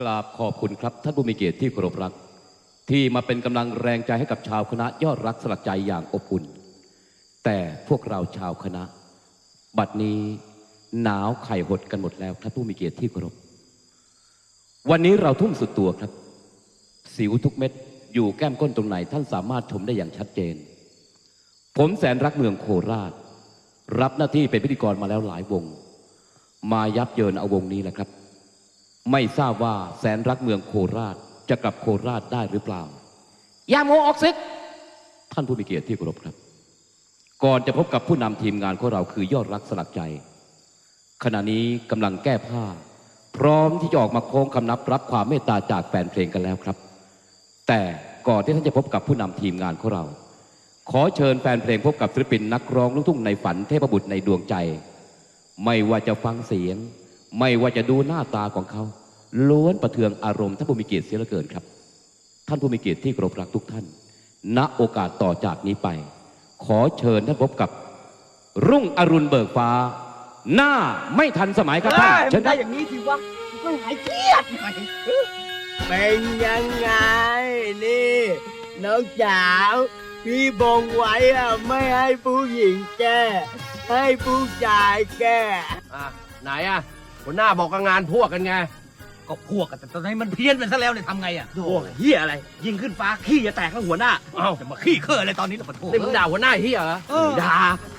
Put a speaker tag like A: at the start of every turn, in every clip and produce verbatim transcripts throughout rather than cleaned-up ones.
A: กราบขอบคุณครับท่านผู้มีเกียรติที่เคารพรักที่มาเป็นกำลังแรงใจให้กับชาวคณะยอดรักสลักใจอย่างอบอุ่นแต่พวกเราชาวคณะบัดนี้หนาวไข่หดกันหมดแล้วท่านผู้มีเกียรติที่เคารพวันนี้เราทุ่มสุดตัวครับสิวทุกเม็ดอยู่แก้มก้นตรงไหนท่านสามารถชมได้อย่างชัดเจนผมแสนรักเมืองโคราชรับหน้าที่เป็นพิธีกรมาแล้วหลายวงมายับเยินเอาวงนี้แหละครับไม่ทราบว่าแสนรักเมืองโคราชจะกลับโคราชได้หรือเปล่าอย่าโมออกซึกท่านผู้มีเกียรติที่เคารพครับก่อนจะพบกับผู้นำทีมงานของเราคือยอดรักสลักใจขณะนี้กำลังแก้ผ้าพร้อมที่จะออกมาโค้งคำนับรับความเมตตาจากแฟนเพลงกันแล้วครับแต่ก่อนที่ท่านจะพบกับผู้นำทีมงานของเราขอเชิญแฟนเพลงพบกับศิลปินนักร้องลูกทุ่งในฝันเทพบุตรในดวงใจไม่ว่าจะฟังเสียงไม่ว่าจะดูหน้าตาของเขาล้วนประเทืองอารมณ์ท่านผู้มีเกียรติเสียเหลือเกินครับท่านผู้มีเกียรติที่เคารพรักทุกท่านณโอกาสต่อจากนี้ไปขอเชิญท่านพบกับรุ่งอรุณเบิกฟ้าหน้าไม่ทันสมัยครับท่านเชิญได้อย่างนี้สิวะก็หายเครียดหน่อย
B: เป็นยังไงนี่น้องจ๋าพี่บงไว้อะไม่ให้ผู้หญิงแก้ให้ผู้ชายแก้
C: อ่ะไหนอ่ะหัวหน้าบอกกับงานพวกกันไง
D: ก็พวกกันแต่ตอนนี้มันเพี้ยนไปซะแล้วเนี่ยทำไงอ่ะ
C: พวกเฮียอะไรยิงขึ้นฟ้าขี้จะแตกแล้วหัวหน้า
D: เอ้าจะมาขี้เคื่ออะไรตอนนี้ล่ะปะโถ
C: นี่มึงด่าหัวหน้าเฮียเหรอด่า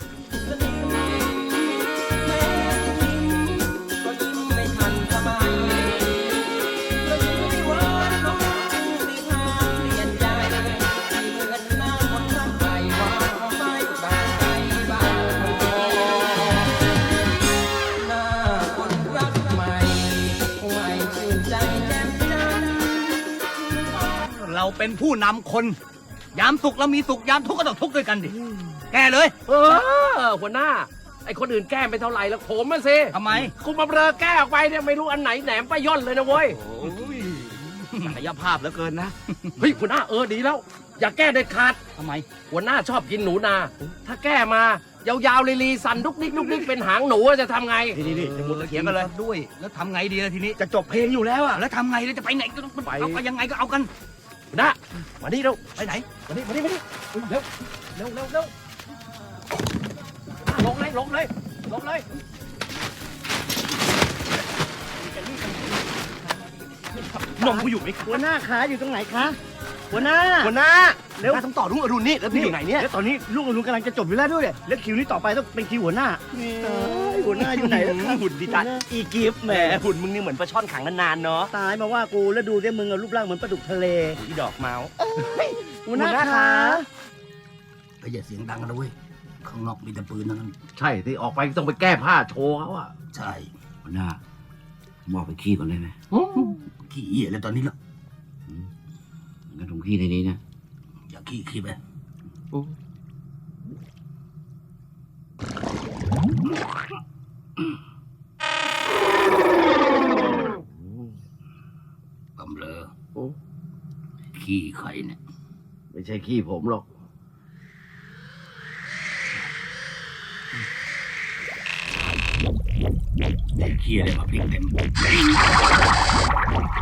D: เราเป็นผู้นำคนยามสุขเรามีสุขยามทุกข์ก็ต้องทุกข์ด้วยกันดิแกเลย
C: เออหัวหน้าไอ้คนอื่นแก้ไม่เท่าไหร่แล้วผมมาสิ
D: ทำไม
C: คุณมาเบลอแก้ออกไปเนี่ยไม่รู้อันไหนแหนมป้าย่อนเลยนะเว้ย
D: ศักยภาพเหลือเกินนะ
C: เฮ้ยหัวหน้าเออดีแล้วอย่าแก้เด็ดขาด
D: ทำไม
C: หัวหน้าชอบกินหนูนาถ้าแก้มายาวๆลีๆสั่นลุกนิกลุกนิกเป็นหางหนูจะทำไง
D: นี่นี่จะมุดเถียงกันเลยด้วยแล้วทำไงดีล่ะทีนี้จะจบเพลงอยู่แล้วอะแล้วทำไงแล้วจะไปไหนก็ต้องไปเอาไปยังไงก็เอากัน
C: นะมานี่เร็ว
D: ไปไหน
C: มานี่มานี่มานี่เร็วเร็วเร็วเร็วลงเลยลงเลยลงเลย
D: นมกูอยู่ไหม
B: หัวหน้าขาอยู่ตรงไหนคะหัวหน้า
D: หัวหน้าเร็วต้องต่อลุงอรุณนี่แล้วพี่อยู่ไหนเนี่ย
B: แล้วตอนนี้ลุงอรุณกำลังจะจบอยู่แล้วด้วยแล้วคิวนี้ต่อไปต้องเป็นคิวหัวหน้าหัวหน้าอยู่ไหนแล้ว
D: หุ่นดีจัดอีกิฟต์แหมหุ่นมึงนี่เหมือนปลาช่อนขังนานๆเนาะ
B: ตายมาว่ากูแล้วดูดิมึงรูปร่างเหมือนปลาดุกทะเล
D: อีดอกเมาส์
B: หัวหน้าขา
E: ก็อย่าเสียงดังนะเว้ยข้างนอกมีแต่ปืนนั่น
C: ใช่ที่ออกไปต้องไปแก้ผ้าโชว์เขาอะ
E: ใช่หัวหน้าผมออกไปขี้ก่อนได้ไหมขี้เหี้ยแล้วตอนนี้แล้วงั้นผมขี้ในนี้นะอย่าขี้ขี้ไปกำเลอขี้ใครเนี่ย
C: ไม่ใช่ขี้ผมหรอก
E: เด็กขี้อะไรมาพลิกเต็ม